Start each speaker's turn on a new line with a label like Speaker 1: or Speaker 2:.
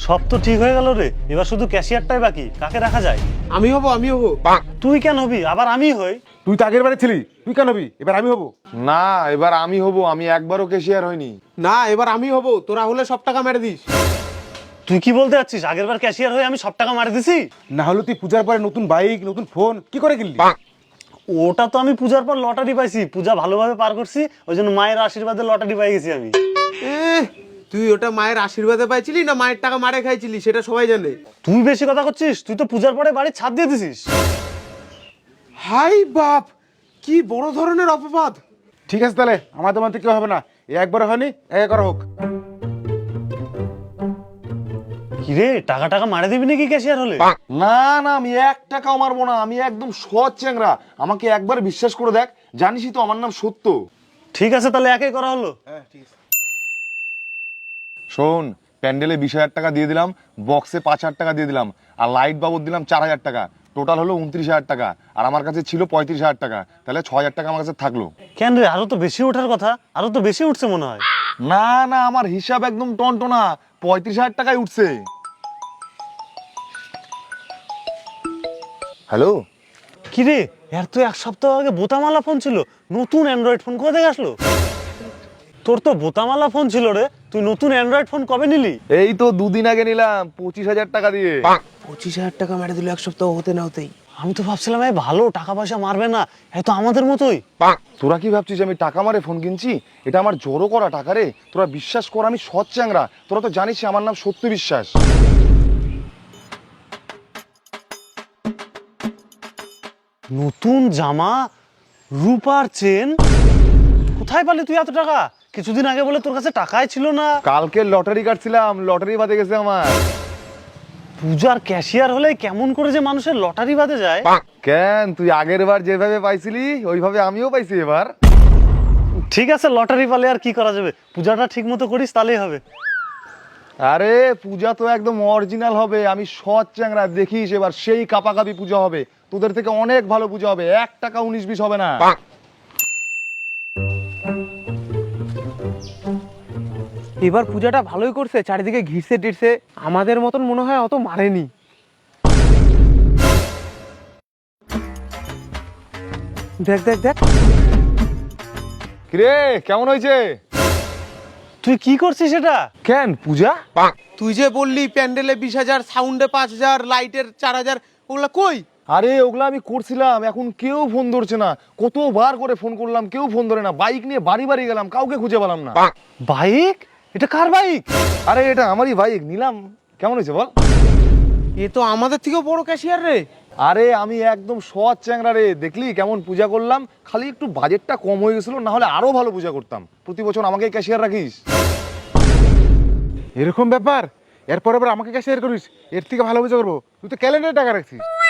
Speaker 1: সব তো ঠিক হয়ে গেল রে, এবার শুধু ক্যাশিয়ারটাই বাকি। কাকে রাখা যায়?
Speaker 2: আমি হব।
Speaker 1: তুই কেন হবি? আবার আমি হই?
Speaker 3: তুই তো আগের বারে ছিলি, তুই কেন হবি? এবার আমি হব।
Speaker 4: না, এবার আমি হব। আমি একবারও ক্যাশিয়ার হইনি।
Speaker 2: না, এবার আমি হব। তোরা হলে সব টাকা মেরে দিস।
Speaker 1: তুই কি বলতে যাচ্ছিস? আগের বার ক্যাশিয়ার হয়ে আমি সব টাকা মারি দিছি?
Speaker 3: না হলে তুই পূজার পরে নতুন বাইক, নতুন ফোন কি করে কিনলি?
Speaker 1: ওটা তো আমি পূজার পর লটারি পাইছি, পূজা ভালোভাবে পার করছি, ওই জন্য মায়ের আশীর্বাদে লটারি পাই গেছি আমি।
Speaker 2: তুই ওটা মায়ের আশীর্বাদে পাইছিলি না মায়ের টাকা মারে খাইছিলি সেটা সবাই জানে।
Speaker 1: তুই বেশি কথা করছিস। তুই তো পূজার পরে বাড়ি ছাদ দিয়ে দিছিস।
Speaker 2: হাই বাপ, কি বড় ধরনের অপবাদ।
Speaker 3: ঠিক আছে তাহলে আমার তোমার থেকে কেউ হবে না, এ একবার হয়নি, এক করা হোক।
Speaker 1: কিরে, টাকা টাকা মারে দিবি নাকি ক্যাশিয়ার হলে?
Speaker 4: না না, আমি 1 টাকাও মারবো না। আমি একদম সৎ চ্যাংরা। আমাকে একবার বিশ্বাস করে দেখ, জানিসই তো আমার নাম সত্য।
Speaker 1: ঠিক আছে তাহলে একাই করা হলো।
Speaker 4: শোন, প্যান্ডেলে 20,000 টাকা দিয়ে দিলাম, বক্সে 5,000 টাকা দিয়ে দিলাম, আর লাইট বাবদ দিলাম 4,000 টাকা। টোটাল হলো 29,000 টাকা। আর আমার কাছে ছিল 35,000 টাকা। তাহলে 6,000 টাকা আমার কাছে থাকলো।
Speaker 1: কেন রে, আরো তো বেশি ওঠার কথা। আরো তো বেশি উঠছে মনে হয়।
Speaker 4: না না, আমার হিসাব একদম টনটনা। 35,000 টাকায় উঠছে। হ্যালো,
Speaker 1: কিরে, এর তো 1 সপ্তাহ আগে বোতামালা ফোন ছিল, নতুন অ্যান্ড্রয়েড ফোন কোথা থেকে আসলো? তোর তো বোতামালা ফোন ছিল রে, তুই নতুন অ্যান্ড্রয়েড ফোন কবে নিলি?
Speaker 4: এই তো 2 দিন আগে নিলাম 25,000 টাকা দিয়ে।
Speaker 2: 25,000 টাকা মেরে দিল 1 সপ্তাহ হতে না হতেই।
Speaker 1: আমি তো ভাবছিলাম এই ভালো টাকা পয়সা মারবে না, এই তো আমাদের মতোই।
Speaker 4: তোরা কি ভাবছিস আমি টাকা মারে ফোন কিনছি? এটা আমার জোরও করা টাকা রে। তোরা বিশ্বাস কর, আমি সৎ চ্যাংরা। তোরা তো জানিস আমার নাম সত্য বিশ্বাস।
Speaker 1: নতুন জামা, রূপার চেন, কোথায় পালি তুই এত টাকা? কিছুদিন আগে বলে তোর কাছে টাকাই ছিল না।
Speaker 4: কালকে লটারি কাটছিলাম, লটারি বাদে গেছে আমার।
Speaker 1: পূজার ক্যাশিয়ার হলে কেমন করে যে মানুষের লটারি বাদে যায়।
Speaker 4: কেন, তুই আগের বার যেভাবে পাইছিলি ওইভাবে আমিও পাইছি এবার।
Speaker 1: ঠিক আছে, লটারি পালে আর কি করা যাবে। পূজাটা ঠিক মতো করিস তাহলেই হবে।
Speaker 4: আরে পূজা তো একদম অরিজিনাল হবে। আমি সৎ চ্যাংরা, দেখিস এবার সেই কাপাকাপি পূজা হবে। তোদের থেকে অনেক ভালো পূজা হবে। 1 টাকা 19-20 হবে না।
Speaker 2: এবার পূজাটা ভালোই করছে, চারিদিকে ঘিরছে টিরছে। আমাদের মতন মনে হয় অত মারেনি। দেখ দেখ দেখ,
Speaker 4: কিরে, কেমন হয়েছে?
Speaker 1: তুই কি করছিস এটা?
Speaker 4: কেন পূজা?
Speaker 2: তুই যে বললি প্যান্ডেলে 20,000, সাউন্ডে 5,000, লাইটের 4,000, ওগুলা কই?
Speaker 4: আরে ওগুলা আমি করছিলাম, এখন কেউ ফোন ধরছে না। কতবার করে ফোন করলাম, কেউ ফোন ধরে না। বাইক নিয়ে বাড়ি বাড়ি গেলাম, কাউকে খুঁজে পেলাম না।
Speaker 1: বাইক? এটা কার বাইক?
Speaker 4: আরে এটা আমারই বাইক, নিলাম। কেমন হয়েছে বল?
Speaker 2: এ তো আমাদের থেকেও বড় ক্যাশিয়ার রে।
Speaker 4: আরে আমি একদম সৎ চ্যাংরা রে। দেখলি কেমন পূজা করলাম? খালি একটু বাজেটটা কম হয়ে গেছিল, না হলে আরো ভালো পূজা করতাম। প্রতি বছর আমাকে ক্যাশিয়ার রাখিস।
Speaker 3: এরকম ব্যাপার? এরপর আবার আমাকে ক্যাশিয়ার করিস? এর থেকে ভালো বুঝে করবো। তুই তো ক্যালেন্ডারে টাকা রাখছিস।